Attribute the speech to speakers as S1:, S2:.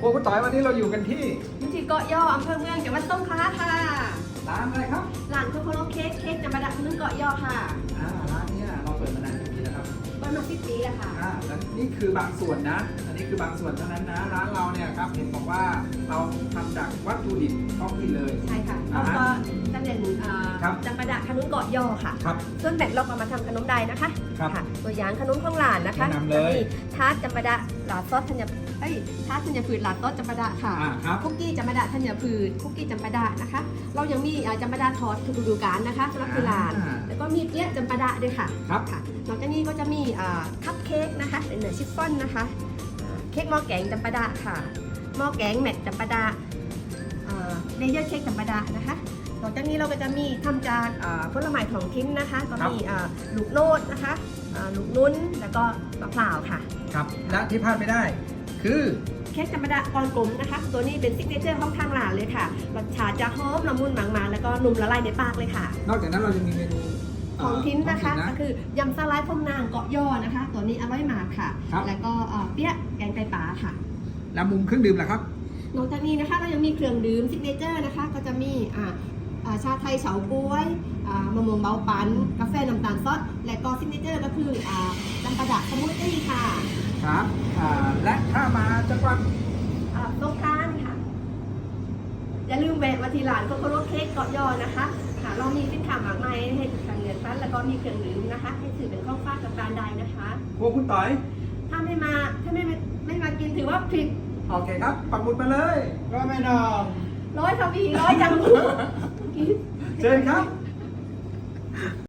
S1: วคุณต่อยวันนี้เราอยู่กันที่
S2: เกาะย่ออำเภอเมืองจังหวัดสงขลาค่ะ
S1: ร้านอะไรครับ
S2: ร้านโคโคโรเค้กจำปาดะขนมเกาะย่อค่ะ
S1: ร้านเนี้ยเราเปิดมานานกี่ปีแล้วครับ
S2: เปิดมา10 ปีแล้วค่ะ
S1: แล้วนี่คือบางส่วนนะ อันนี้คือบางส่วนเท่านั้นนะร้านเราเนี่ยครับเห็นบอกว่าเราทำจากวัตถุดิบท้องถิ่นเลย
S2: ใช่ค่ะแล้วก็จะเป็น
S1: ครับ
S2: จำปาดะขนมเกาะย่อค่ะ
S1: ครับ
S2: ส่วนแบ่งเราก็มาทำขนมได้นะคะ
S1: ครับ
S2: ค่ะตัวอย่างขนมของหลานนะคะ
S1: แนะนำเลย
S2: จะมีทาร์ตจำปาดะหลาดซอสธัญทาร์ตธัญพืชหลาดซอสจำปาดะค่ะ
S1: ครับ
S2: คุกกี้จำปาดะธัญพืชคุกกี้จำปาดะนะคะ เรายังมีจำปาดะทอดทุกฤดูกาลนะคะสำหรับที่ร้านแล้วก็มีเปี๊ยะจำปาดะด้วยค่ะ
S1: ครับ
S2: ค่ะนอกจากนี้ก็จะมีคัพเค้กนะคะเป็นเนื้อชิฟฟ่อนนะคะเค้กหม้อแกงจำปาดะค่ะหม้อแกงแมทจำปาดะเลเยอร์เค้กจำปาดะนะคะนอกจากนี้เราก็จะมีทำจากผลไม้ท้องถิ่นนะคะก็มีลูกโนดนะคะลูกนุ้นแล้วก็มะพร้าวค่ะ
S1: ครับและที่พลาดไม่ได้ คือ
S2: เค้กจำปาดะกรกลมนะคะ ตัวนี้เป็นซิกเนเจอร์ของทางร้านเลยค่ะรสชาติจะหอมละมุนหมางๆแล้วก็นุ่มละลายในปากเลยค่ะ
S1: นอกจากนั้นเรายังมีเมนู
S2: ของทิ้นนะคะ
S1: ท้อง
S2: ก็คือยำสไลด์พรมนางเกาะย่อนะคะ ตัวนี้อร่อยมากค่ะ
S1: ครับ
S2: แล้วก็เปี๊ยะแกงไตปลาค่ะ
S1: แล้วมุมเครื่องดื่มล่ะครับ
S2: นอกจากนี้นะคะเรายังมีเครื่องดื่มซิกเนเจอร์นะคะก็จะมีชาไทยเฉาก๊วยมะม่วงเบาปันกาแฟน้ำตาลซอสและก็ซิกเนเจอร์ก็คือจำปาดะสมูทตี้ค่ะ
S1: ครับและถ้ามาจังหวัด
S2: สงกรานต์ค่ะอย่าลืมแวะมาที่ร้านโคโคโรเค้กเกาะย่อนะคะค่ะเรามีสินค้ามากมายให้ทางเงินฟันแล้วก็มีเครื่องดื่มนะคะ ให้ถือเป็นของฝากกับการใดนะคะ
S1: พวกคุณต่อย
S2: ถ้าไม่มากินถือว่าผิด
S1: โอเคครับ ปักหมุดมาเลย
S3: ก็ไม่นอง
S2: ร้อยทวีร้อยจัง
S1: เชิญครับ